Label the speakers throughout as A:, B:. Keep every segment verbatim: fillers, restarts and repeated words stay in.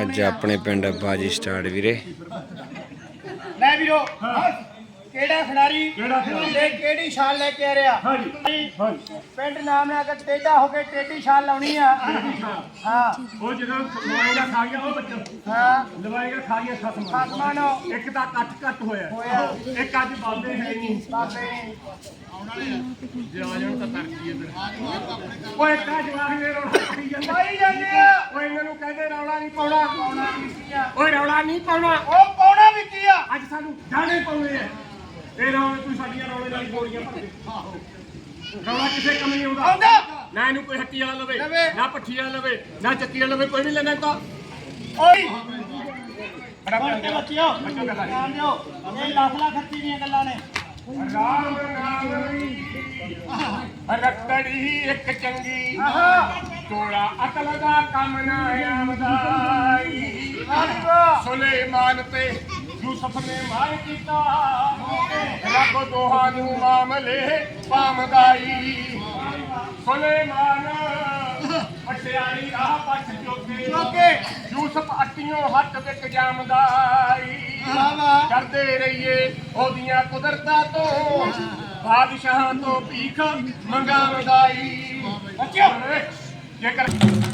A: ਅੱਜ ਆਪਣੇ ਪਿੰਡ ਬਾਜੀ ਸਟਾਰਟ ਵੀਰੇ।
B: ਲੈ ਵੀਰੋ ਕਿਹੜਾ ਖਿਡਾਰੀ ਤੇ ਕਿਹੜੀ ਛਾਲ ਲੈ ਕੇ ਆ ਰਿਹਾ?
C: ਹਾਂਜੀ ਹਾਂਜੀ
B: ਪਿੰਡ ਨਾਮ ਨਾਲ ਅਗਰ ਟੇਢਾ ਹੋ ਕੇ ਟੇਢੀ ਛਾਲ ਲਾਉਣੀ ਆ। ਹਾਂ
C: ਉਹ ਜਦੋਂ ਲਵਾਏਗਾ ਖਾ ਗਿਆ ਉਹ ਬੱਚਾ
B: ਹਾਂ
C: ਲਵਾਏਗਾ ਖਾ ਗਿਆ ਖਸਮ
B: ਖਸਮਾਂ ਨੂੰ
C: ਇੱਕ ਤਾਂ ਕੱਟ ਕੱਟ ਹੋਇਆ
B: ਹੋਇਆ।
C: ਇੱਕ ਅੱਜ ਬਾਬੇ ਹੈ ਨਹੀਂ
B: ਬਾਬੇ
C: ਜੇ ਆ ਜਾਣ ਤਾਂ ਤਰਕੀ ਹੈ ਫਿਰ ਉਹ ਇੱਕ ਆ ਜਵਾਕ ਦੇ ਰੌਲਾ ਕਰੀ ਜਾਂਦਾ
B: ਪਾਈ ਜਾਂਦੇ ਆ।
C: ਉਹ ਇਹਨਾਂ ਨੂੰ ਕਹਿੰਦੇ ਰੌਲਾ ਨਹੀਂ ਪਾਉਣਾ
B: ਪਾਉਣਾ ਵੀ ਕੀ ਆ?
C: ਓਏ ਰੌਲਾ ਨਹੀਂ ਪਾਉਣਾ
B: ਉਹ ਪਾਉਣਾ ਵੀ ਕੀ ਆ?
C: ਅੱਜ ਸਾਨੂੰ ਗਾਣੇ ਪਾਉਣੇ ਆ ਇਹ ਰੌਲੇ ਤੂੰ ਸਾਡੀਆਂ ਰੌਲੇ ਨਾਲ ਗੋਲੀਆਂ ਭਰਦੇ ਆਹੋ ਰੌਲਾ ਕਿਸੇ ਕੰਮ ਨਹੀਂ ਆਉਂਦਾ
B: ਆਉਂਦਾ
C: ਨਾ ਇਹਨੂੰ ਕੋਈ ਹੱਟੀ ਵਾਲਾ ਲਵੇ
B: ਲਵੇ।
C: ਨਾ ਪੱਠੀ ਵਾਲਾ ਲਵੇ ਨਾ ਚੱਕੀ ਵਾਲਾ ਲਵੇ ਕੋਈ ਵੀ ਲੈਣਾ ਤਾਂ
B: ਓਏ
C: ਬੜਾ
B: ਬਣ ਕੇ ਬੱਚਿਓ
C: ਬੱਚੋ ਗੱਲਾਂ
B: ਧਿਆਨ ਦਿਓ ਇਹ ਲੱਖ ਲੱਖ ਖੱਤੀ ਦੀਆਂ ਗੱਲਾਂ ਨੇ।
C: ਰਾਮ ਨਾਮ ਰੱਖੜੀ ਇੱਕ ਚੰਗੀ
B: ਆਹਾ
C: ਤੋੜਾ ਅਕਲ ਦਾ ਕੰਮ ਨਾ ਆਵਦਾਈ ਸੁਲੇਮਾਨ ਤੇ ਯੂਸਫ ਨੇ ਮਾਰ ਕੀਤਾ ਰੱਬ ਦੋਹਾਂ ਨੂੰ ਮਾਮਲੇ ਪਾਮਦਾਈ ਸੁਲੇਮਾਨ ਪਟਿਆਲੀ ਰਾਹ ਪੱਟ ਚੋਕੇ
B: ਚੋਕੇ
C: ਯੂਸਫ ਅੱਟੀਆਂ ਹੱਥ ਵਿੱਚ ਜਾਮਦਾਈ ਕਰਦੇ ਰਹੀਏ ਉਹਦੀਆਂ ਕੁਦਰਤਾਂ ਤੋਂ ਬਾਦਸ਼ਾਹਾਂ ਤੋਂ ਭੀਖ ਮੰਗਾਵਦਾਈ ਬੱਚਿਓ ਜੇਕਰ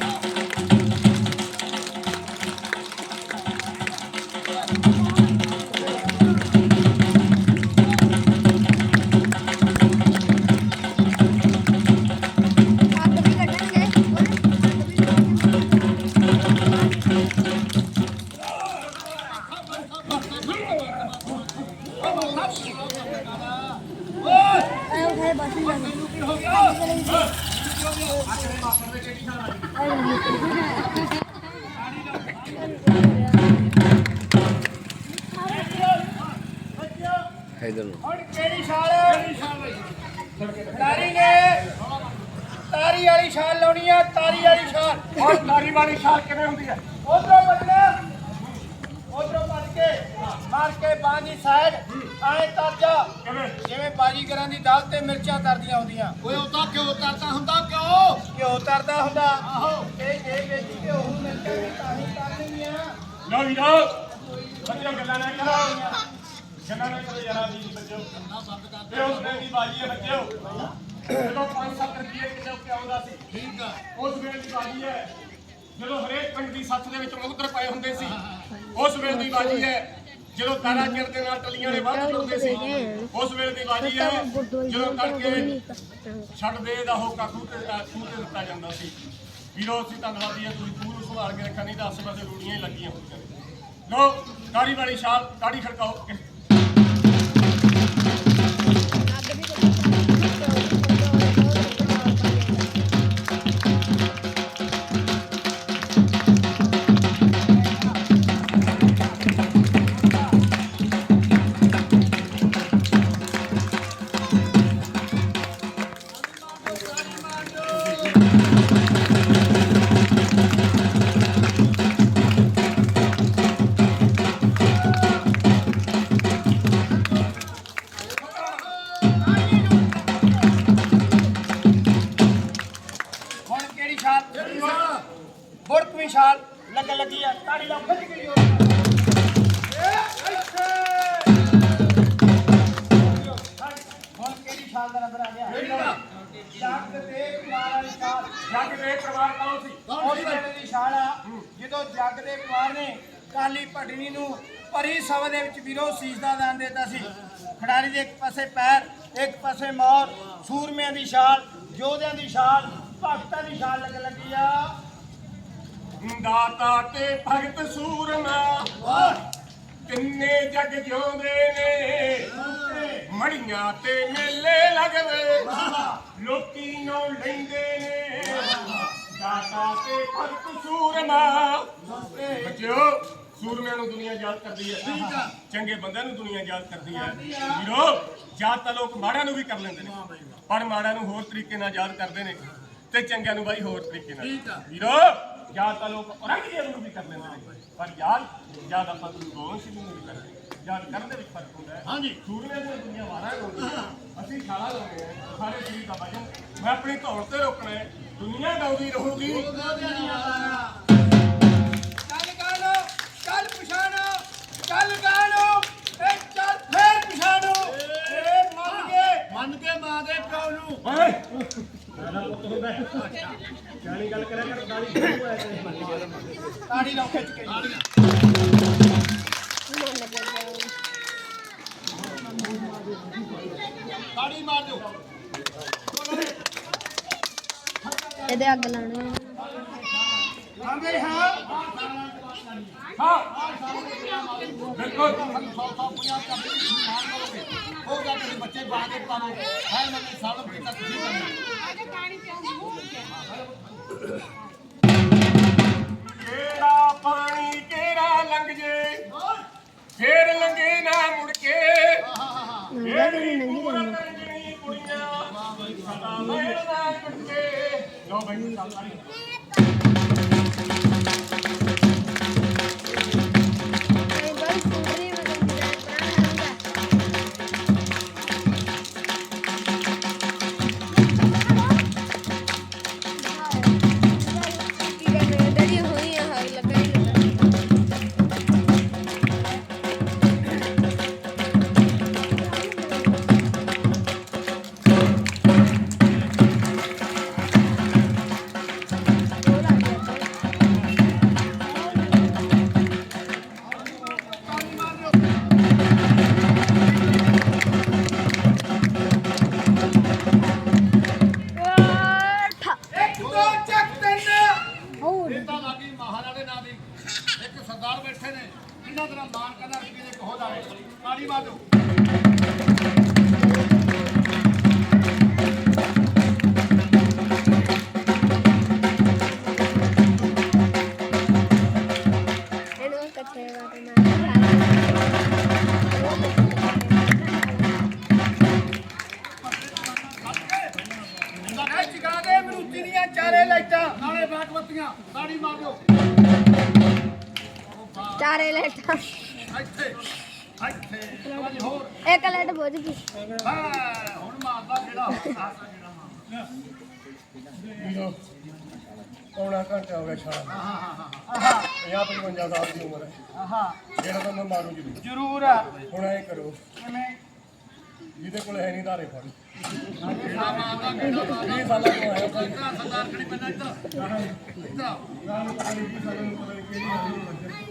A: ਇਧਰ ਨੂੰ
B: ਹੁਣ ਕਿਹੜੀ ਛਾਲ? ਖਿਡਾਰੀ ਨੇ ਤਾਰੀ ਵਾਲੀ ਛਾਲ ਲਾਉਣੀ ਆ। ਤਾਰੀ ਵਾਲੀ ਛਾਲ
C: ਔਰ ਤਾਰੀ ਵਾਲੀ ਛਾਲ ਕਿਵੇਂ ਹੁੰਦੀ ਹੈ?
B: ਉਧਰੋਂ ਵੱਜਣਾ ਉਧਰੋਂ ਵੱਜ ਕੇ ਮਾਰ ਕੇ ਬਾਂਹ ਦੀ ਸਾਈਡ ਆਏ ਤਰ ਜਾ
C: ਕਿਵੇਂ
B: ਜਿਵੇਂ ਬਾਜੀਗਰਾਂ ਦੀ ਦਾਲ ਤੇ ਮਿਰਚਾਂ ਤਰਦੀਆਂ ਹੁੰਦੀਆਂ।
D: ਓਏ ਉਹ ਤਾਂ ਕਿਉਂ ਕਰਦਾ ਹੁੰਦਾ ਕਿਉਂ?
B: ਘਿਓ ਤਰਦਾ ਹੁੰਦਾ। ਆਹੋ ਤੇ ਜੇ ਵਿੱਚ ਘਿਓ ਨੂੰ ਮਿਰਚਾਂ ਵੀ ਤਾਂ ਹੀ ਤਰਨੀਆਂ।
C: ਲਓ ਵੀ ਲਓ ਬੱਚਿਓ ਗੱਲਾਂ ਨਾ ਕਰੋ ਗੱਲਾਂ ਨਾ ਕਰੋ ਯਾਰਾ ਜੀ ਬੱਚਿਓ ਇਹ ਉਸ ਵੇਲੇ ਦੀ ਬਾਜੀ ਹੈ ਬੱਚਿਓ ਜਦੋਂ ਪੰਜ ਸੱਤ ਰੁਪਏ ਕਿਲੋ ਕਿ ਆਉਂਦਾ ਸੀ
D: ਠੀਕ ਆ
C: ਉਸ ਵੇਲੇ ਦੀ ਬਾਜੀ ਹੈ ਜਦੋਂ ਹਰੇਕ ਪਿੰਡ ਦੀ ਸੱਥ ਦੇ ਵਿੱਚ ਮੁਕਦਰ ਪਏ ਹੁੰਦੇ ਸੀ। ਉਸ ਵੇਲੇ ਦੀ ਬਾਜੀ ਹੈ ਜਦੋਂ ਤਾਰਾ ਚਿਰ ਦੇ ਨਾਲ ਟਲੀਆਂ ਦੇ ਵੱਧ ਟੁੱਟਦੇ ਸੀ। ਉਸ ਵੇਲੇ ਦੀ ਬਾਜੀ ਹੈ ਜਦੋਂ ਤੜਕੇ ਛੱਡ ਦੇ ਦਾ ਹੋਕਾ ਖੂਹ ਤੇ ਖੂਹ ਤੇ ਦਿੱਤਾ ਜਾਂਦਾ ਸੀ। ਵੀਰੋ ਅਸੀਂ ਧੰਨਵਾਦੀ ਹਾਂ ਤੁਸੀਂ ਖੂਹ ਨੂੰ ਸੰਭਾਲ ਕੇ ਰੱਖਿਆ ਨਹੀਂ ਤਾਂ ਆਸੇ ਪਾਸੇ ਰੂੜੀਆਂ ਹੀ ਲੱਗੀਆਂ ਹੁੰਦੀਆਂ ਨੇ। ਲੋ ਤਾੜੀ ਵਾਲੀ ਛਾਲ ਤਾੜੀ ਖੜਕਾਓ
B: ਬੁੜਕਵੀਂ ਛਾਲ ਲੱਗ ਲੱਗੀ ਆ। ਤਾੜੀ ਲਾਓ ਖਿੱਚ ਕੇ ਜੋਰ ਹੁਣ ਕਿਹੜੀ ਛਾਲ ਦਾ ਨੰਬਰ ਆ ਗਿਆ? ਜੱਗ ਦੇ ਕੁਮਾਰ ਵਾਲੀ ਛਾਲ।
C: ਜੱਗ ਦੇ ਪਰਿਵਾਰ ਕੌਣ ਸੀ?
B: ਉਸ ਵੇਲੇ ਦੀ ਛਾਲ ਆ ਜਦੋਂ ਜੱਗ ਦੇ ਕੁਮਾਰ ਨੇ ਕਾਲੀ ਭਟਣੀ ਨੂੰ ਭਰੀ ਸਭਾ ਦੇ ਵਿੱਚ ਵੀਰੋ ਸੀਸ ਦਾ ਦਾਨ ਦਿੱਤਾ ਸੀ। ਖਿਡਾਰੀ ਦੇ ਇੱਕ ਪਾਸੇ ਪੈਰ ਇੱਕ ਪਾਸੇ ਮੌਤ। ਸੂਰਮਿਆਂ ਦੀ ਛਾਲ ਯੋਧਿਆਂ ਦੀ ਛਾਲ ਭਗਤਾਂ ਦੀ ਛਾਲ ਲੱਗ ਲੱਗੀ ਆ।
C: ਦਾਤਾ ਤੇ ਭਗਤ ਸੂਰਮਾ ਤਿੰਨੇ ਜਗ ਜਿਉਂਦੇ ਨੇ ਮੜੀਆਂ ਤੇ ਮੇਲੇ ਲੱਗਦੇ ਲੋਕੀ ਨੂੰ ਲੈਂਦੇ ਨੇ ਦਾਤਾ ਤੇ ਭਗਤ ਸੂਰਮਾ ਬੱਚਿਓ ਸੂਰਮਿਆਂ ਨੂੰ ਦੁਨੀਆ ਯਾਦ ਕਰਦੀ ਹੈ ਚੰਗੇ ਬੰਦਿਆਂ ਨੂੰ ਦੁਨੀਆ ਯਾਦ ਕਰਦੀ ਹੈ ਵੀਰੋ ਯਾਦ ਤਾਂ ਲੋਕ ਮਾੜਿਆਂ ਨੂੰ ਵੀ ਕਰ ਲੈਂਦੇ ਨੇ ਪਰ ਮਾੜਿਆਂ ਨੂੰ ਹੋਰ ਤਰੀਕੇ ਨਾਲ ਯਾਦ ਕਰਦੇ ਨੇ ਤੇ ਚੰਗਿਆਂ ਨੂੰ ਬਾਈ ਹੋਰ ਤਰੀਕੇ ਨਾਲ ਵੀਰੋ ਯਾਦ ਤਾਂ ਲੋਕ ਔਰੰਗਜ਼ੇਬ ਨੂੰ ਵੀ ਕਰ ਲੈਂਦੇ ਨੇ ਪਰ ਯਾਦ ਯਾਦ ਆਪਾਂ ਗੁਰੂ ਗੋਬਿੰਦ ਸਿੰਘ ਨੂੰ ਵੀ ਕਰਦੇ ਯਾਦ ਕਰਨ ਦੇ ਵਿੱਚ ਫਰਕ ਹੁੰਦਾ ਹੈ। ਹਾਂਜੀ ਸੂਰਮਿਆਂ ਦੀਆਂ ਦੁਨੀਆ ਵਾਰਾਂ ਲਾਉਂਦੀ ਅਸੀਂ ਖਾਲਾ ਲਾਉਂਦੇ ਹਾਂ ਸਾਰੇ ਸਰੀਰ ਦਾ ਵਜਨ ਮੈਂ ਆਪਣੀ ਧੌਣ ਤੇ ਰੋਕਣਾ ਹੈ ਦੁਨੀਆ ਗਾਉਂਦੀ ਰਹੂਗੀ
B: ਕੰਨ ਕੰਨ ਤਾੜੀ ਲਾਓ ਖਿੱਚ ਕੇ
D: ਤਾੜੀ ਮਾਰ ਦਿਓ
E: ਇਹਦੇ ਅੱਗ ਲਾਉਣੇ
B: ਆਂਦੇ ਹਾਂ
C: ਹਾਂ ਬਿਲਕੁਲ
D: ਹੋ ਗਿਆ ਤੁਸੀਂ ਬੱਚੇ ਬਾਹਰ ਦੇ ਪਾਵੋ ਹੈ ਮੈਨੂੰ ਸਾਲਮ ਕੀਤਾ ਤੁਸੀਂ ਕਰਨਾ
C: ਕਿਹੜਾ ਪਾਣੀ ਕਿਹੜਾ ਲੰਘ ਜੇ ਫੇਰ ਲੰਘੇ ਨਾ ਮੁੜ ਕੇ
E: ਨੰਗਾ ਤੇ ਨੰਗੀ
C: ਪੂਰਨ ਰੰਗਣੀ ਕੁੜੀਆਂ ਸਦਾ ਮਹਿਲ ਨਾ ਟੁੱਟ ਕੇ ਲੋ ਬਈ ਸਾਰੀ
E: ਇਹ ਬਈ ਸੁੰਦਰੀ ਮਦਨ ਦੀ ਪ੍ਰਾਣ ਹੁੰਦਾ ਕੀ ਕਰਨੇ ਡੜੀ ਹੋਈ ਆ ਹਾਈ ਲੱਗਾ ਹੀ
B: ਇੱਕ ਦੋ ਚੱਕ ਤਿੰਨ
E: ਹੋਰ
D: ਇਹ ਤਾਂ ਲੱਗੀ ਮਹਾਰਾਣੇ ਨਾਂ ਦੀ ਇੱਕ ਸਰਦਾਰ ਬੈਠੇ ਨੇ ਇਹਨਾਂ ਦਾ ਮਾਨ ਕਰਨਾ ਰੁਪਏ ਦੇ ਕਹੋ ਜਾਵੇ ਤਾੜੀ ਮਾਰ ਦਿਓ
E: ਇਹਨੂੰ ਕੱਚੇ ਵਾਟੇ ਨਾਲ
B: ਇਹ ਜਗਾ ਦੇ ਮਰੂਤੀ ਦੀਆਂ ਚਾਰੇ ਲਾਈਟਾਂ
D: ਨਾਲੇ ਬਾਟ ਬੱਤੀਆਂ ਤਾੜੀ ਮਾਰ ਦਿਓ
E: ਚਾਰੇ ਲੈਟਾਂ
D: ਇੱਥੇ ਇੱਥੇ ਤਾੜੀ ਹੋਰ
E: ਇੱਕ ਲੈਟ ਬੁੱਝ ਗਈ
D: ਹਾਂ ਹੁਣ ਮਾਰਦਾ ਜਿਹੜਾ ਆਸਾ ਜਿਹੜਾ ਮਾਰਦਾ
C: ਵੀਰੋ ਪੌਣਾ ਘੰਟਾ ਹੋ ਗਿਆ ਸ਼ਾਮ
D: ਹਾਂ ਹਾਂ ਹਾਂ
C: ਪੰਜਾਹ ਪਚਵੰਜਾ ਸਾਲ ਦੀ ਉਮਰ ਹੈ
B: ਆਹਾ
C: ਜਿਹੜਾ ਤਾਂ ਮੈਂ ਮਾਰੂ ਜੀ
B: ਜ਼ਰੂਰ ਆ
C: ਹੁਣ ਐ ਕਰੋ
B: ਕਿਵੇਂ
C: ਜਿਹਦੇ ਕੋਲ ਹੈ ਨਹੀਂ ਧਾਰੇ ਫੜ
D: ਕਿਹੜਾ ਮਾਰਦਾ ਕਿਹੜਾ ਮਾਰਦਾ
C: ਵੀਹ ਸਾਲਾਂ ਤੋਂ ਆਇਆ ਭਾਈ
D: ਇੱਧਰ ਸਰਦਾਰ ਖੜੀ ਪੈਣਾ ਇੱਧਰ ਇੱਧਰ ਆਓ।
C: ਰਾਮ ਨੂੰ ਪਤਾ ਨਹੀਂ ਵੀਹ ਸਾਲਾਂ ਨੂੰ ਪਤਾ ਨਹੀਂ ਕਿਹੜੀ ਆਈ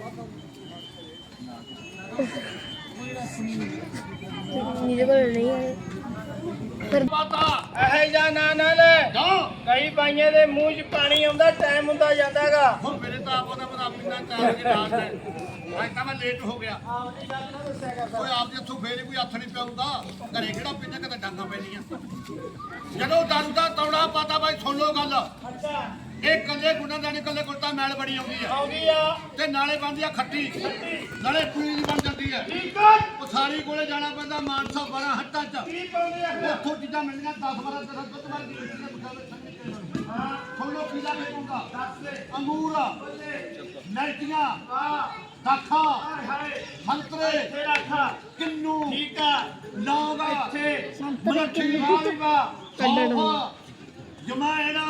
E: ਜਿਹਦੇ ਕੋਲ ਨਹੀਂ ਹੈ ਫਿਰ
D: ਬਾਤਾ
B: ਇਹ ਜਾ ਨਾ ਨਾ ਲੈ
D: ਜਾ
B: ਕਈ ਬਾਈਆਂ ਦੇ ਮੂੰਹ 'ਚ ਪਾਣੀ ਆਉਂਦਾ ਟਾਈਮ ਹੁੰਦਾ ਜਾਂਦਾਗਾ
D: ਹੁਣ ਮੇਰੇ ਤਾਂ ਆਪੋ ਦਾ ਪਤਾ ਪਿੰਨਾ ਚਾਰ ਵਜੇ ਰਾਤ ਹੈ ਅੱਜ ਤਾਂ ਮੈਂ ਲੇਟ ਹੋ ਗਿਆ
B: ਆਪਣੀ ਗੱਲ ਨਾ ਦੱਸਿਆ ਕਰ
D: ਕੋਈ ਆਪ ਦੇ ਇੱਥੋਂ ਫੇਰ ਕੋਈ ਹੱਥ ਨਹੀਂ ਪਿਆਉਂਦਾ ਘਰੇ ਕਿਹੜਾ ਪਿੰਨਾ ਕਿਤੇ ਡਾਂਗਾ ਪੈਂਦੀਆਂ ਜਦੋਂ ਦਾਰੂ ਦਾ ਤੌੜਾ ਪਾਤਾ ਬਾਈ ਸੁਣ ਲਓ ਗੱਲ
B: ਅੱਛਾ
D: ਇਹ ਕੱਲੇ ਗੁੰਡਾ ਜਾਨੀ ਕੱਲੇ ਕੁੱਤਾ ਮੈਲ ਬੜੀ ਆਉਂਦੀ ਆ
B: ਆਉਂਦੀ ਆ
D: ਤੇ ਨਾਲੇ ਬਣਦੀ ਆ ਖੱਟੀ ਨਾਲੇ ਪੀਲੀ ਬਣ ਜਾਂਦੀ ਆ
B: ਠੀਕ ਆ
D: ਉਹ ਸਾਰੀ ਕੋਲੇ ਜਾਣਾ ਪੈਂਦਾ ਮਾਨਸਾ ਬੜਾ ਹੱਟਾਂ ਚ
B: ਕੀ ਪਾਉਂਦੇ ਆ
D: ਉੱਥੋਂ ਚੀਜ਼ਾਂ ਮਿਲਦੀਆਂ ਦਸ ਬਾਰਾਂ ਤਰ੍ਹਾਂ ਦੁੱਧ ਵਾਰ ਦੀ
B: ਹਾਂ
D: ਸੁਣ ਲਓ ਪੀਲਾ ਵੇਚੂਗਾ
B: ਦੱਸ ਦੇ
D: ਅੰਗੂਰ
B: ਬੱਲੇ
D: ਮਿਰਚੀਆਂ
B: ਆ
D: ਦਾਖਾ
B: ਹਾਏ ਹਾਏ
D: ਸੰਤਰੇ
B: ਇੱਥੇ ਰੱਖਾ
D: ਕਿੰਨੂ
B: ਠੀਕ ਆ
D: ਲੌਂਗ
B: ਇੱਥੇ
D: ਮੱਠੀ
B: ਆਵੇਗਾ
D: ਕੱਢਣਾ ਜਮਾਇਣਾ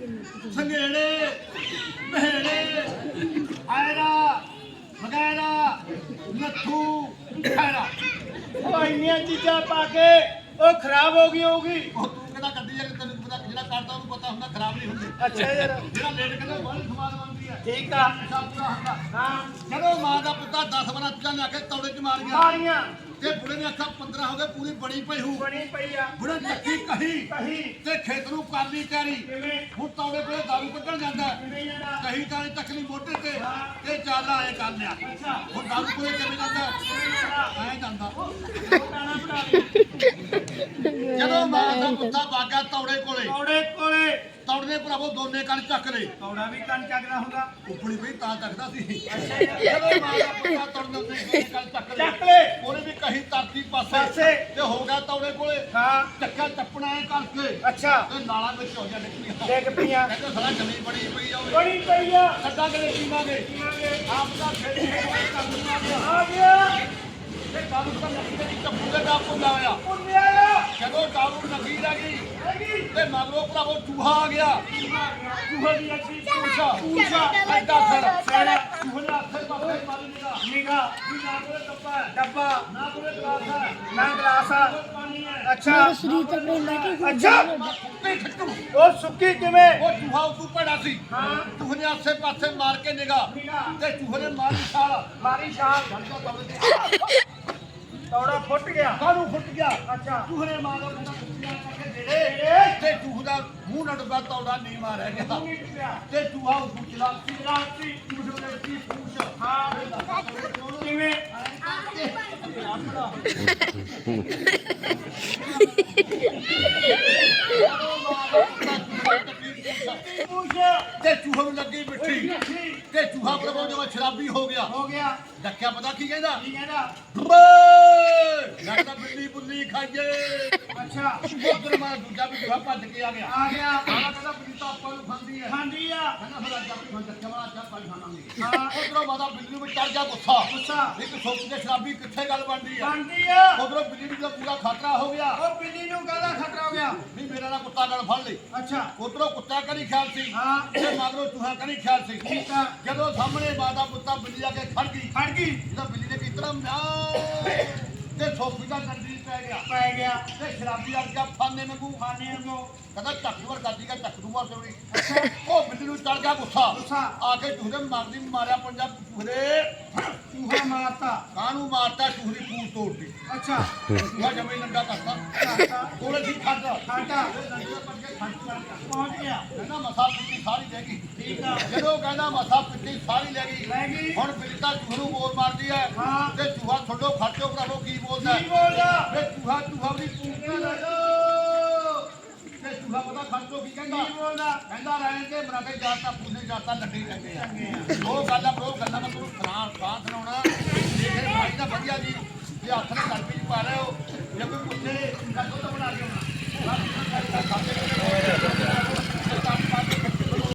D: ਸੰਘੇੜੇ ਮਹਿੜੇ ਆਇਰਾ ਵਗੈਰਾ ਨੱਥੂ ਖੈਰਾ
B: ਉਹ ਇੰਨੀਆਂ ਚੀਜ਼ਾਂ ਪਾ ਕੇ ਉਹ ਖਰਾਬ ਹੋ ਗਈ ਹੋਊਗੀ
D: ਉਹ ਤੂੰ ਕਿਹੜਾ ਕੱਢੀ ਜਾ ਤੈਨੂੰ ਪਤਾ ਜਿਹੜਾ ਕਰਦਾ ਉਹਨੂੰ ਪਤਾ ਹੁੰਦਾ ਖਰਾਬ ਨਹੀਂ ਹੁੰਦੀ
B: ਅੱਛਾ ਯਾਰ
D: ਜਿਹੜਾ ਲੇਟ ਕਹਿੰਦਾ ਬਹੁਤ ਸਵਾਦ ਬਣਦੀ ਹੈ
B: ਠੀਕ ਆ
D: ਸਭ ਪੂਰਾ ਹੁੰਦਾ
B: ਹਾਂ
D: ਜਦੋਂ ਮਾਂ ਦਾ ਪੁੱਤਾ ਦਸ ਬਾਰਾਂ ਚੀਜ਼ਾਂ ਲਿਆ ਕੇ ਤੌੜੇ ਚ ਮਾਰ ਗਿਆ
B: ਪਾਣੀਆਂ
D: ਤੇ ਬੁੜੇ ਨੇ ਅੱਖਾਂ ਪੰਦਰਾਂ ਹੋ ਗਏ ਪੂਰੀ ਬਣੀ ਪਈ ਹੂ
B: ਬਣੀ ਪਈ ਆ
D: ਬੁੜੇ ਚੱਕੀ ਕਹੀ
B: ਕਹੀ
D: ਤੇ ਖੇਤ ਨੂੰ ਕਰ ਲਈ ਤਿਆਰੀ
B: ਕਿਵੇਂ
D: ਹੁਣ ਤੌੜੇ ਕੋਲੇ ਦਾਰੂ ਕੱਢਣ ਜਾਂਦਾ
B: ਕਿਵੇਂ ਜਾਣਾ
D: ਕਹੀ ਤਾਂ ਤਕਲੀ ਮੋਢੇ ਤੇ ਤੇ ਚੱਲ ਆਏ ਕਰ ਲਿਆ
B: ਅੱਛਾ
D: ਹੁਣ ਦਾਰੂ ਕੋਲੇ ਕਿਵੇਂ ਜਾਂਦਾ
B: ਕਿਵੇਂ ਜਾਣਾ
D: ਐ ਜਾਂਦਾ
B: ਟਾਣਾ ਬਣਾ ਲਈ
D: ਜਦੋਂ ਮਾਂ ਦਾ ਪੁੱਤਾ ਬਾਗਾ ਤੌੜੇ ਕੋਲੇ
B: ਕੌੜੇ ਕੋਲੇ
D: ਤੌੜੇ ਭਰਾਵੋ ਦੋਨੇ ਕੰਨ ਚੱਕ ਲਏ
B: ਕੌੜਾ ਵੀ ਕੰਨ ਚੱਕਦਾ ਹੁੰਦਾ
D: ਉਪੜੀ ਪਈ ਤਾਂ ਚੱਕਦਾ ਸੀ
B: ਅੱਛਾ ਯਾਰ
D: ਜਦੋਂ ਮਾਂ ਦਾ ਪੁੱਤਾ ਤੌੜੇ ਦੋਨੇ ਕੰਨ ਚੱਕ ਲਏ
B: ਚੱਕ ਲੈ
D: ਉਹਨੇ ਵੀ ਕਹੀ ਤਰਤੀ ਪਾਸੇ
B: ਪਾਸੇ।
D: ਤੇ ਹੋ ਗਿਆ ਤੌੜੇ ਕੋਲੇ
B: ਹਾਂ
D: ਚੱਕਾ ਟੱਪਣਾ ਐ ਕਰਕੇ
B: ਅੱਛਾ
D: ਤੇ ਨਾਲਾਂ ਵਿੱਚ ਹੋ ਜਾ ਨਿਕਲੀਆਂ
B: ਡਿੱਗ ਪਈਆਂ
D: ਕਹਿੰਦੇ ਸਾਲਾ ਜਮੀ ਬੜੀ ਪਈ ਜਾਵੇ
B: ਬਣੀ ਪਈ ਆ
D: ਸੱਦਾ ਕਦੇ ਪੀਵਾਂਗੇ
B: ਪੀਵਾਂਗੇ
D: ਆਪ ਦਾ ਖੇਡ ਕਰ ਦੂੰਗਾ
B: ਆ ਗਿਆ
D: ਤੇ ਦਾਰੂ ਤਾਂ ਲੱਗੀ ਤੇ ਟੱਪੂ ਦੇ ਦਾ ਪੁੱਲਾ ਹੋਇਆ
B: ਪੁੰਨਿਆ
D: ਜਦੋਂ ਦਾਰੂ ਲੱਗੀ ਲੱਗੀ
B: ਹੈਗੀ
D: ਤੇ ਮਗਰੋਂ ਭਰਾਵੋ ਚੂਹਾ ਆ ਗਿਆ
B: ਚੂਹੇ ਦੀ ਅੱਛੀ
D: ਪੂਛਾ ਪੂਛਾ ਐਡਾ ਸਰ ਚੂਹੇ ਨੇ ਹੱਥੇ ਪਾਸੇ ਮਾਰੀ ਨਿਗਾ
B: ਨਿਗਾ
D: ਵੀ ਨਾ ਕੋਲੇ ਡੱਬਾ ਹੈ,
B: ਡੱਬਾ
D: ਨਾ ਕੋਲੇ ਗਲਾਸ ਹੈ
B: ਨਾ ਗਲਾਸ ਆ
D: ਪਾਣੀ ਹੈ
B: ਅੱਛਾ
E: ਸਰੀਰ ਤੇ ਆਪਣੇ ਲੈ ਕੇ
B: ਅੱਛਾ
D: ਸੁੱਕੀ ਖੱਟੂ
B: ਉਹ ਸੁੱਕੀ ਕਿਵੇਂ
D: ਉਹ ਚੂਹਾ ਉਦੋਂ ਭੜਾ ਸੀ
B: ਹਾਂ
D: ਚੂਹੇ ਨੇ ਆਸੇ ਪਾਸੇ ਮਾਰ ਕੇ ਨਿਗਾਹ
B: ਨਿਗਾਹ।
D: ਤੇ ਚੂਹੇ ਨੇ ਮਾਰੀ ਛਾਲ
B: ਮਾਰੀ ਛਾਲ ਤੌੜਾ ਫੁੱਟ ਗਿਆ
D: ਕਾਹਨੂੰ ਫੁੱਟ ਗਿਆ
B: ਅੱਛਾ
D: ਚੂਹੇ ਨੇ ਮਾਰਿਆ ਬੰਦਾ ਕੁੱਤਿਆਂ ਕਰਕੇ ਜਿਹੜੇ ਤੇ ਚੂਹ ਦਾ ਮੂੰਹ ਨਾ ਡੁੱਬਾ ਤੌੜਾ ਨਹੀਂ ਮਾਰਿਆ ਗਿਆ ਤੇ ਚੂਹਾ ਉਦੋਂ ਚਲਾ
B: ਰਾਤੀ
D: ਚੂਹੇ ਨੇ ਕੀ ਪੂਛ
B: ਹਾਂ ਕਿਵੇਂ ਪੂਛ
D: ਤੇ ਚੂਹੇ ਨੂੰ ਲੱਗੀ ਮਿੱਠੀ ਤੇ ਚੂਹਾ ਪ੍ਰਭੂ ਜਦੋਂ ਸ਼ਰਾਬੀ ਹੋ ਗਿਆ
B: ਹੋ ਗਿਆ
D: ਡੱਕਿਆ ਪਤਾ ਕੀ ਕਹਿੰਦਾ
B: ਕੀ ਕਹਿੰਦਾ
D: ਲੱਗਦਾ ਬਿੱਲੀ ਬੁੱਲੀ ਖਾਈਏ
B: ਅੱਛਾ
D: ਉਧਰ ਮੈਂ ਦੂਜਾ ਵੀ ਚੂਹਾ ਭੱਜ ਕੇ ਆ ਗਿਆ
B: ਆ ਗਿਆ
D: ਆਲਾ ਕਹਿੰਦਾ ਬਿੱਲੀ ਤਾਂ ਆਪਾਂ ਨੂੰ ਖਾਂਦੀ ਹੈ
B: ਖਾਂਦੀ ਆ
D: ਕਹਿੰਦਾ ਫਿਰ ਅੱਜ ਆਪਣੀ ਡੱਕਿਆ ਵਾਲਾ ਚਾਹ ਪਾਈ ਖਾਣਾਂਗੇ
B: ਹਾਂ
D: ਉਧਰੋਂ ਮਾਤਾ ਬਿੱਲੀ ਨੂੰ ਵੀ ਚੜ ਗਿਆ ਗੁੱਸਾ
B: ਗੁੱਸਾ
D: ਇੱਕ ਸੋਚ ਕੇ ਸ਼ਰਾਬੀ ਕਿੱਥੇ ਗੱਲ ਬਣਦੀ ਆ
B: ਖਾਂਦੀ ਆ
D: ਉਧਰੋਂ ਬਿੱਲੀ ਨੂੰ ਤਾਂ ਪੂਰਾ ਖਤਰਾ ਹੋ ਗਿਆ
B: ਉਹ ਬਿੱਲੀ ਨੂੰ ਕਾਹਦਾ ਖਤਰਾ ਹੋ ਗਿਆ
D: ਵੀ ਮੇਰਾ ਨਾਲ ਕੁੱਤਾ ਗੱਲ ਫੜ ਲਈ
B: ਅੱਛਾ
D: ਉਧਰੋਂ ਕੁੱਤਾ ਕਰੀ ਖਿਆਲ ਸੀ
B: ਹਾਂ
D: ਤੇ ਮਗਰੋਂ ਚੂਹਾ ਕਰੀ ਖਿਆਲ ਸੀ
B: ਠੀਕ ਆ
D: ਜਦੋਂ ਸਾਹਮਣੇ ਮਾਤਾ ਪੁੱਤਾ ਬਿੱਲੀ ਆ ਕੇ ਖੜ ਗਈ
B: ਖੜ ਗਈ
D: ਇਹਦਾ ਬਿੱਲੀ ਨੇ ਕਿਤਨਾ ਮਿਆ ਤੇ ਸੋਫੀ ਦਾ ਡੰਡੀ ਪੈ ਗਿਆ
B: ਪੈ ਗਿਆ
D: ਤੇ ਸ਼ਰਾਬੀ ਆ ਗਿਆ ਫਾਨੇ ਵਾਂਗੂ
B: ਖਾਣੇ ਨੂੰ
D: ਕਹਿੰਦਾ ਚੱਕੂਰ ਕਰਦੀ ਕਾ ਚੱਕ ਦੂੰਗਾ ਸੋਣੀ ਉਹ ਬਿੱਲੀ ਨੂੰ ਚੜ ਗਿਆ ਗੁੱਸਾ
B: ਗੁੱਸਾ।
D: ਆ ਕੇ ਚੂਹੇ ਮਾਰਦੀ ਮਾਰਿਆ ਪੰਜਾਬ ਚੂਹੇ
B: ਚੂਹਾ ਮਾਰਤਾ
D: ਕਾਹਨੂੰ ਮਾਰਤਾ ਚੂਹਰੀ ਪੂਛ ਤੋੜਦੀ
B: ਅੱਛਾ
D: ਚੂਹਾ ਜਮੇ ਨੰਗਾ ਕਰਤਾ
B: ਕਾਟਾ
D: ਕੋਲੇ ਸੀ ਖੱਡ
B: ਕਾਟਾ
D: ਨੰਗੇ ਪੱਟ ਕੇ ਖੱਡ ਕਰ ਗਿਆ
B: ਪਹੁੰਚ ਗਿਆ
D: ਕਹਿੰਦਾ ਮਸਾ ਪਿੱਟੀ ਸਾਰੀ ਲੈ ਗਈ
B: ਠੀਕ ਆ
D: ਜਦੋਂ ਕਹਿੰਦਾ ਮਸਾ ਪਿੱਟੀ ਸਾਰੀ ਲੈ ਗਈ
B: ਲੈ ਗਈ
D: ਹੁਣ ਬਿੱਲੀ ਤਾਂ ਚੂਹੇ ਨੂੰ ਬੋਲ ਮਾਰਦੀ ਹੈ
B: ਹਾਂ।
D: ਤੇ ਚੂਹਾ ਛੱਡੋ ਖਰਚੋ ਭਰਾਵੋ ਕੀ ਬੋਲਦਾ
B: ਕੀ ਬੋਲਦਾ
D: ਵੇ ਚੂਹਾ ਚੂਹਾ ਵੀ ਪੂਛ ਲੈ ਤੇ ਚੂਹਾ ਪਤਾ ਖਰਚੋ ਕੀ ਕਹਿੰਦਾ
B: ਕੀ ਬੋਲਦਾ
D: ਕਹਿੰਦਾ ਰਹਿਣ ਕੇ ਮਰਾਕੇ ਜਾਤਾ ਪੂਨੇ ਜਾਤਾ ਲੱਡੀ ਚੰਗੇ ਆ ਉਹ ਗੱਲ ਆ ਬਰੋ ਗੱਲਾਂ ਮੈਂ ਤੁਹਾਨੂੰ ਸੁਣਾ ਸਾਹ ਸੁਣਾਉਣਾ ਇਹ ਫਿਰ ਭਾਈ ਦਾ ਵਧੀਆ ਜੀ ਜੇ ਹੱਥ ਨਾਲ ਗੜਬੀ ਪਾ ਰਹੇ ਹੋ ਜੇ ਕੋਈ ਪੁੱਛੇ ਤਾਂ